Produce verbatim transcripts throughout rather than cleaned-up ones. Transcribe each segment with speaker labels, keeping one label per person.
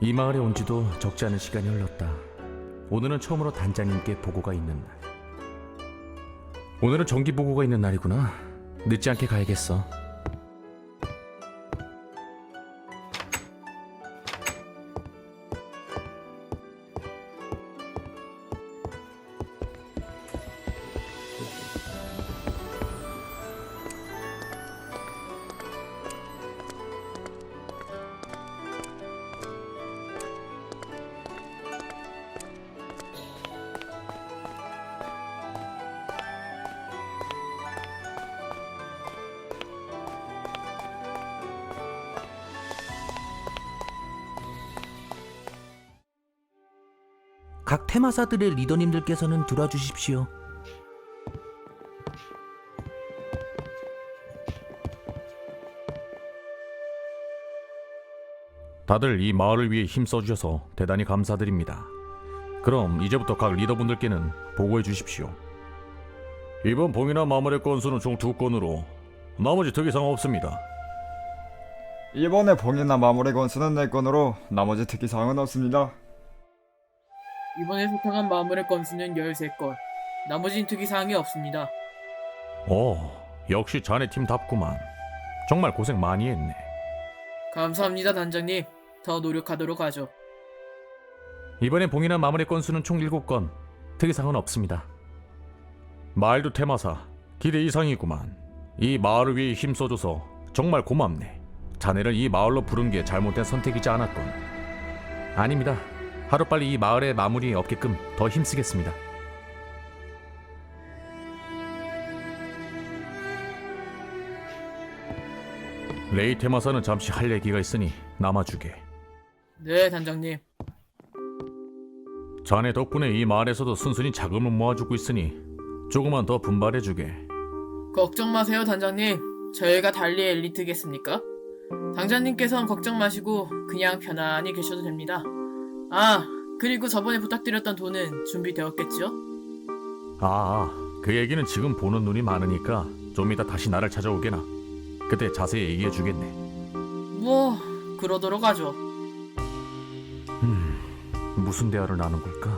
Speaker 1: 이 마을에 온 지도 적지 않은 시간이 흘렀다. 오늘은 처음으로 단장님께 보고가 있는 날. 오늘은 정기 보고가 있는 날이구나. 늦지 않게 가야겠어.
Speaker 2: 각 테마사들의 리더님들께서는 들어와 주십시오.
Speaker 1: 다들 이 마을을 위해 힘써주셔서 대단히 감사드립니다. 그럼 이제부터 각 리더분들께는 보고해 주십시오. 이번 봉인한 마물의 건수는 총 두 건으로 나머지 특이사항 없습니다.
Speaker 3: 이번에 봉인한 마무리 건수는 네 건으로 나머지 특이사항은 없습니다.
Speaker 4: 이번에 소탕한 마물의 건수는 열세 건. 나머진 특이사항이 없습니다.
Speaker 1: 오, 역시 자네 팀답구만. 정말 고생 많이 했네.
Speaker 4: 감사합니다, 단장님. 더 노력하도록 하죠.
Speaker 1: 이번에 봉인한 마물의 건수는 총 일곱 건. 특이사항은 없습니다. 마을도 테마사, 기대 이상이구만. 이 마을을 위해 힘써줘서 정말 고맙네. 자네를 이 마을로 부른 게 잘못된 선택이지 않았건. 아닙니다. 하루빨리 이 마을의 마무리 없게끔 더 힘쓰겠습니다. 레이 테마사는 잠시 할 얘기가 있으니 남아주게.
Speaker 4: 네, 단장님.
Speaker 1: 자네 덕분에 이 마을에서도 순순히 자금을 모아주고 있으니 조금만 더 분발해주게.
Speaker 4: 걱정 마세요, 단장님. 저희가 달리 엘리트겠습니까? 당장님께선 걱정 마시고 그냥 편안히 계셔도 됩니다. 아, 그리고 저번에 부탁드렸던 돈은 준비되었겠죠?
Speaker 1: 아, 그 얘기는 지금 보는 눈이 많으니까 좀 이따 다시 나를 찾아오게나. 그때 자세히 얘기해주겠네.
Speaker 4: 뭐, 그러도록 하죠.
Speaker 1: 음, 무슨 대화를 나눈 걸까?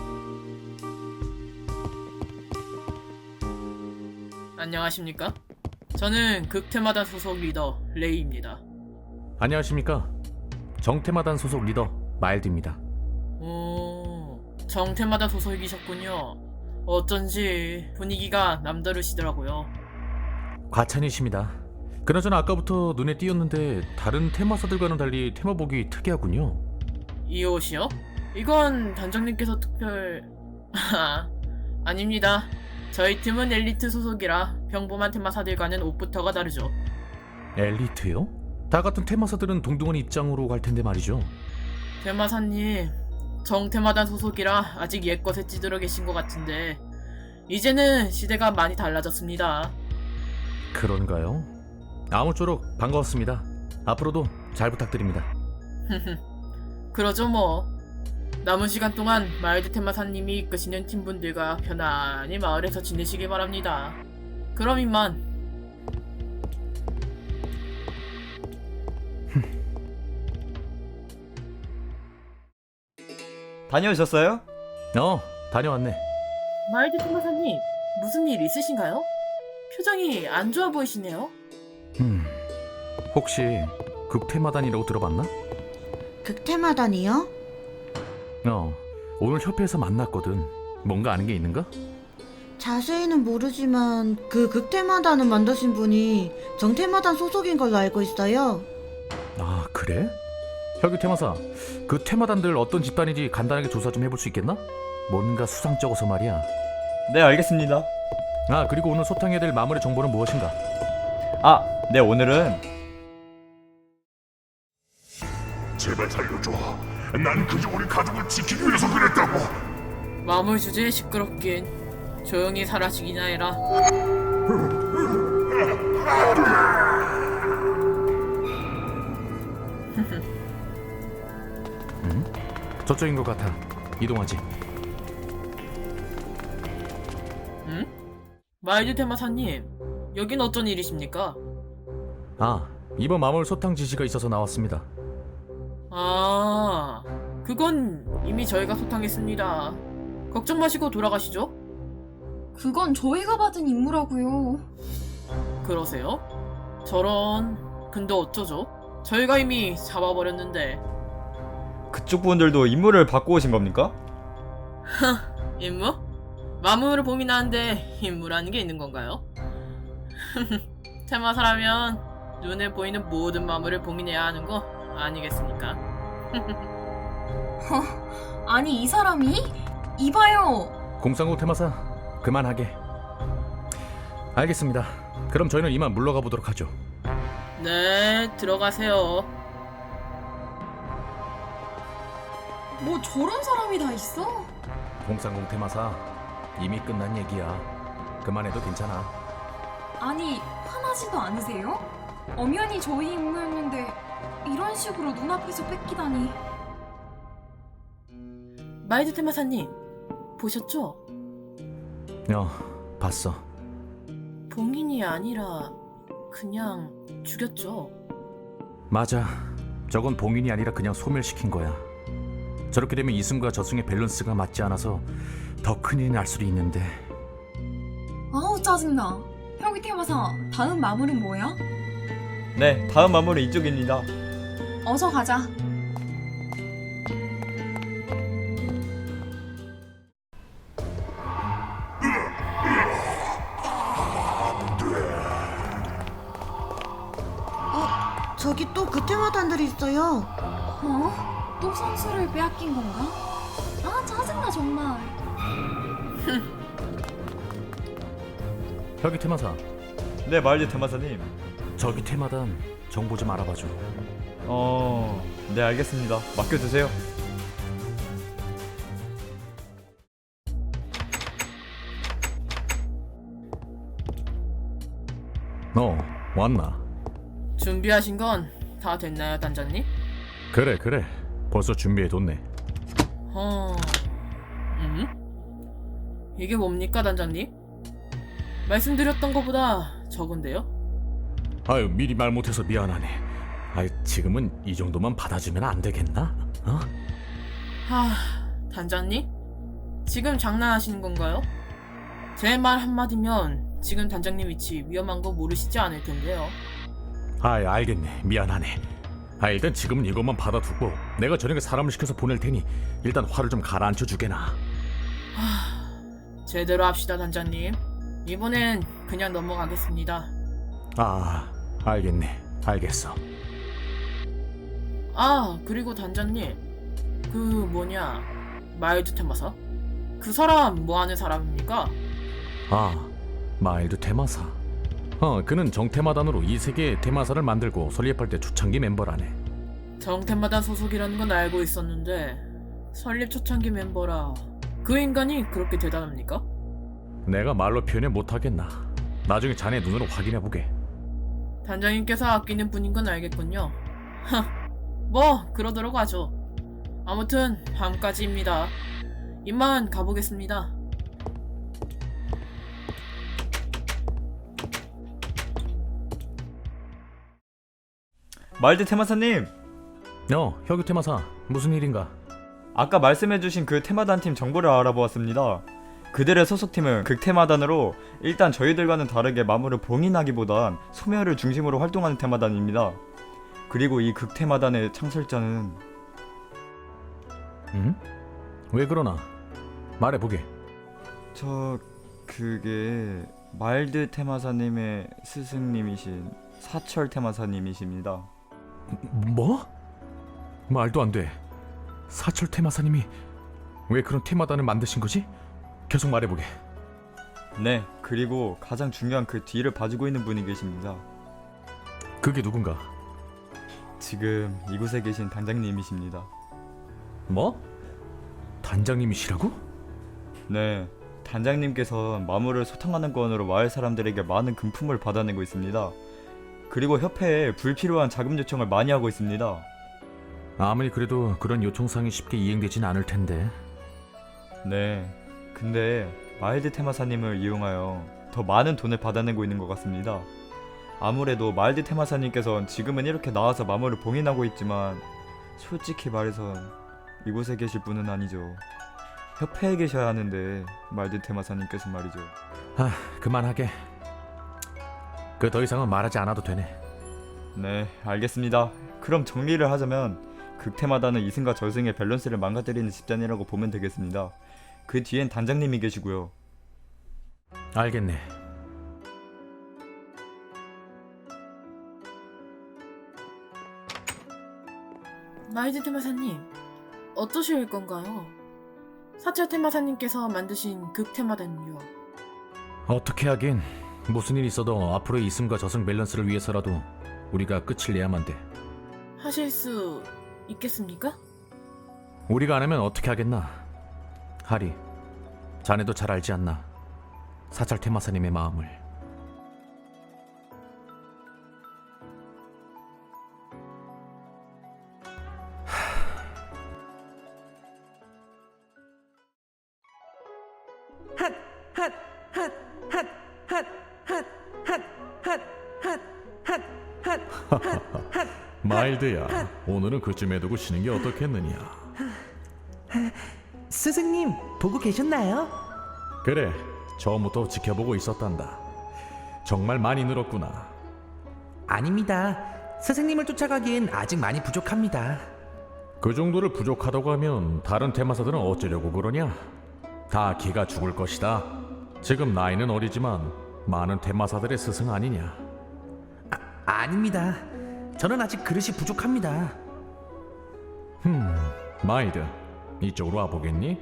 Speaker 4: 안녕하십니까? 저는 극테마단 소속 리더 레이입니다.
Speaker 1: 안녕하십니까? 정테마단 소속 리더 마일드입니다.
Speaker 4: 오, 정테마단 소속이셨군요. 어쩐지 분위기가 남다르시더라고요.
Speaker 1: 과찬이십니다. 그나저나 아까부터 눈에 띄었는데 다른 테마사들과는 달리 테마복이 특이하군요.
Speaker 4: 이 옷이요? 이건 단장님께서 특별... 아, 아닙니다. 저희 팀은 엘리트 소속이라 평범한 테마사들과는 옷부터가 다르죠.
Speaker 1: 엘리트요? 다 같은 테마사들은 동등한 입장으로 갈 텐데 말이죠.
Speaker 4: 테마사님, 정테마단 소속이라 아직 옛것에 찌들어 계신 것 같은데 이제는 시대가 많이 달라졌습니다.
Speaker 1: 그런가요? 아무쪼록 반가웠습니다. 앞으로도 잘 부탁드립니다.
Speaker 4: 그러죠 뭐. 남은 시간 동안 마일드 테마사님이 이끄시는 팀분들과 편안히 마을에서 지내시길 바랍니다. 그럼 이만.
Speaker 3: 다녀오셨어요?
Speaker 1: 어, 다녀왔네.
Speaker 4: 마일드 테마사님, 무슨 일 있으신가요? 표정이 안 좋아 보이시네요.
Speaker 1: 음, 혹시 극테마단이라고 들어봤나?
Speaker 5: 극테마단이요?
Speaker 1: 어, 오늘 협회에서 만났거든. 뭔가 아는 게 있는가?
Speaker 5: 자세히는 모르지만 그 극테마단을 만드신 분이 정테마단 소속인 걸로 알고 있어요.
Speaker 1: 아, 그래? 혁유 테마사, 그 테마단들 어떤 집단인지 간단하게 조사 좀 해볼 수 있겠나? 뭔가 수상쩍어서 말이야.
Speaker 3: 네, 알겠습니다.
Speaker 1: 아, 그리고 오늘 소탕해야 될 마무리 정보는 무엇인가?
Speaker 3: 아, 네, 오늘은
Speaker 6: 제발 살려줘. 난 그저 우리 가족을 지키기 위해서 그랬다고.
Speaker 4: 마물 주제에 시끄럽긴. 조용히 사라지기나 해라.
Speaker 1: 음? 저쪽인 것 같아. 이동하지.
Speaker 4: 응? 마일드 테마사님, 여긴 어쩐 일이십니까?
Speaker 1: 아, 이번 마물 소탕 지시가 있어서 나왔습니다.
Speaker 4: 아, 그건 이미 저희가 소탕했습니다. 걱정 마시고 돌아가시죠.
Speaker 7: 그건 저희가 받은 임무라고요.
Speaker 4: 그러세요? 저런. 근데 어쩌죠? 저희가 이미 잡아버렸는데.
Speaker 3: 그쪽 분들도 임무를 받고 오신 겁니까?
Speaker 4: 임무? 마무를 봉인하는데 임무라는 게 있는 건가요? 테마사라면 눈에 보이는 모든 마무를 봉인해야 하는 거 아니겠습니까?
Speaker 7: 아니 이 사람이? 이봐요.
Speaker 1: 공상국 테마사 그만하게. 알겠습니다. 그럼 저희는 이만 물러가 보도록 하죠.
Speaker 4: 네, 들어가세요.
Speaker 7: 뭐 저런 사람이 다 있어?
Speaker 1: 공상국 테마사 이미 끝난 얘기야. 그만해도 괜찮아.
Speaker 7: 아니 화나지도 않으세요? 엄연히 저희 임무였는데 이런 식으로 눈앞에서 뺏기다니.
Speaker 4: 마이드 테마사님, 보셨죠?
Speaker 1: 어, 봤어.
Speaker 4: 봉인이 아니라 그냥 죽였죠.
Speaker 1: 맞아. 저건 봉인이 아니라 그냥 소멸시킨 거야. 저렇게 되면 이승과 저승의 밸런스가 맞지 않아서 더 큰일이 날 수도 있는데.
Speaker 7: 아우 짜증나. 혁이 테마사 다음 마무리는 뭐야?
Speaker 3: 네, 다음 마무리 이쪽입니다.
Speaker 7: 어서 가자.
Speaker 5: 어, 저기 또 그 테마단들이 있어요.
Speaker 7: 어? 또 선수를 빼앗긴 건가? 아 짜증나 정말.
Speaker 1: 여기 테마사,
Speaker 3: 네, 마을드 테마사님.
Speaker 1: 저기 테마단 정보 좀 알아봐줘.
Speaker 3: 어... 네, 알겠습니다. 맡겨주세요.
Speaker 1: 어, 왔나?
Speaker 4: 준비하신 건 다 됐나요, 단장님?
Speaker 1: 그래 그래, 벌써 준비해뒀네.
Speaker 4: 어... 음? 이게 뭡니까, 단장님? 말씀드렸던 것보다 적은데요?
Speaker 1: 아유, 미리 말 못해서 미안하네. 아유, 지금은 이 정도만 받아주면 안 되겠나? 어?
Speaker 4: 하... 단장님? 지금 장난하시는 건가요? 제 말 한마디면 지금 단장님 위치 위험한 거 모르시지 않을 텐데요.
Speaker 1: 아이, 알겠네. 미안하네. 아, 일단 지금은 이것만 받아두고 내가 저녁에 사람을 시켜서 보낼 테니 일단 화를 좀 가라앉혀 주게나.
Speaker 4: 하... 제대로 합시다, 단장님. 이번엔 그냥 넘어가겠습니다.
Speaker 1: 아, 알겠네. 알겠어.
Speaker 4: 아, 그리고 단장님, 그 뭐냐, 마일드 테마사? 그 사람 뭐 하는 사람입니까?
Speaker 1: 아, 마일드 테마사. 어, 그는 정테마단으로 이 세계의 테마사를 만들고 설립할 때 초창기 멤버라네.
Speaker 4: 정테마단 소속이라는 건 알고 있었는데 설립 초창기 멤버라. 그 인간이 그렇게 대단합니까?
Speaker 1: 내가 말로 표현을 못하겠나. 나중에 자네 눈으로 확인해보게.
Speaker 4: 단장님께서 아끼는 분인 건 알겠군요. 하, 뭐 그러도록 하죠. 아무튼 밤까지입니다. 이만 가보겠습니다.
Speaker 3: 마을드 테마사님!
Speaker 1: 어, 혁유 테마사. 무슨 일인가?
Speaker 3: 아까 말씀해주신 그 테마단 팀 정보를 알아보았습니다. 그들의 소속팀은 극테마단으로 일단 저희들과는 다르게 마물을 봉인하기보단 소멸을 중심으로 활동하는 테마단입니다. 그리고 이 극테마단의 창설자는
Speaker 1: 응? 왜 그러나? 말해보게.
Speaker 3: 저... 그게... 마일드 테마사님의 스승님이신 사철 테마사님이십니다.
Speaker 1: 뭐? 말도 안 돼. 사철 테마사님이 왜 그런 테마단을 만드신 거지? 계속 말해보게.
Speaker 3: 네, 그리고 가장 중요한 그 뒤를 봐주고 있는 분이 계십니다.
Speaker 1: 그게 누군가?
Speaker 3: 지금 이곳에 계신 단장님이십니다.
Speaker 1: 뭐? 단장님이시라고?
Speaker 3: 네, 단장님께서 마물을 소탕하는 건으로 마을 사람들에게 많은 금품을 받아내고 있습니다. 그리고 협회에 불필요한 자금 요청을 많이 하고 있습니다.
Speaker 1: 아무리 그래도 그런 요청사항이 쉽게 이행되진 않을 텐데.
Speaker 3: 네, 근데 마일드 테마사님을 이용하여 더 많은 돈을 받아내고 있는 것 같습니다. 아무래도 마일드 테마사님께서는 지금은 이렇게 나와서 마물을 봉인하고 있지만 솔직히 말해서 이곳에 계실 분은 아니죠. 협회에 계셔야 하는데 말든 테마사님께서 말이죠.
Speaker 1: 아, 그만하게. 그 더 이상은 말하지 않아도 되네.
Speaker 3: 네, 알겠습니다. 그럼 정리를 하자면 극테마다는 이승과 저승의 밸런스를 망가뜨리는 집단이라고 보면 되겠습니다. 그 뒤엔 단장님이 계시고요.
Speaker 1: 알겠네.
Speaker 4: 마이드 테마사님, 어떠실 건가요? 사찰 테마사님께서 만드신 극 테마단요.
Speaker 1: 어떻게 하긴, 무슨 일 있어도 앞으로의 이승과 저승 밸런스를 위해서라도 우리가 끝을 내야만 돼.
Speaker 4: 하실 수 있겠습니까?
Speaker 1: 우리가 안 하면 어떻게 하겠나. 하리, 자네도 잘 알지 않나, 사찰 테마사님의 마음을. 마일드야, 오늘은 그쯤에 두고 쉬는 게 어떻겠느냐.
Speaker 2: 스승님, 보고 계셨나요?
Speaker 1: 그래, 처음부터 지켜보고 있었단다. 정말 많이 늘었구나.
Speaker 2: 아닙니다. 스승님을 쫓아가기엔 아직 많이 부족합니다.
Speaker 1: 그 정도를 부족하다고 하면 다른 테마사들은 어쩌려고 그러냐? 다 기가 죽을 것이다. 지금 나이는 어리지만 많은 테마사들의 스승 아니냐?
Speaker 2: 아, 아닙니다. 저는 아직 그릇이 부족합니다.
Speaker 1: 흠, 마이드, 이쪽으로 와보겠니?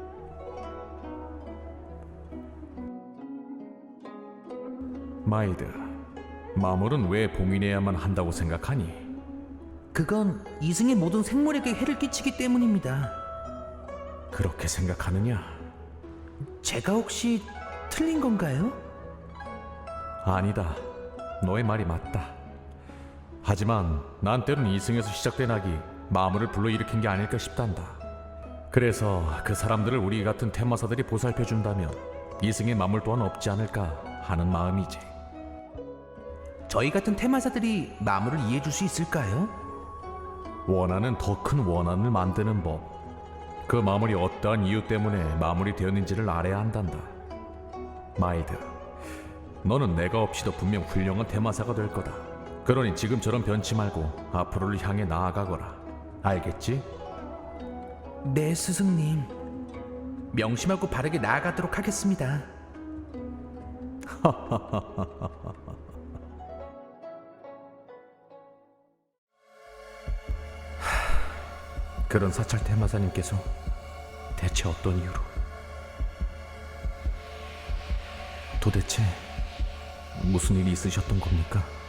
Speaker 1: 마이드, 마물은 왜 봉인해야만 한다고 생각하니?
Speaker 2: 그건 이승의 모든 생물에게 해를 끼치기 때문입니다.
Speaker 1: 그렇게 생각하느냐?
Speaker 2: 제가 혹시 틀린 건가요?
Speaker 1: 아니다. 너의 말이 맞다. 하지만 난 때론 이승에서 시작된 악이 마물을 불러일으킨 게 아닐까 싶단다. 그래서 그 사람들을 우리 같은 테마사들이 보살펴준다면 이승의 마물 또한 없지 않을까 하는 마음이지.
Speaker 2: 저희 같은 테마사들이 마물을 이해해 줄 수 있을까요?
Speaker 1: 원하는 더 큰 원한을 만드는 법. 그 마물이 어떠한 이유 때문에 마물이 되었는지를 알아야 한단다. 마이드, 너는 내가 없이도 분명 훌륭한 테마사가 될 거다. 그러니 지금처럼 변치 말고 앞으로를 향해 나아가거라. 알겠지?
Speaker 2: 네, 스승님. 명심하고 바르게 나아가도록 하겠습니다.
Speaker 1: 그런 사찰 테마사님께서 대체 어떤 이유로? 도대체 무슨 일이 있으셨던 겁니까?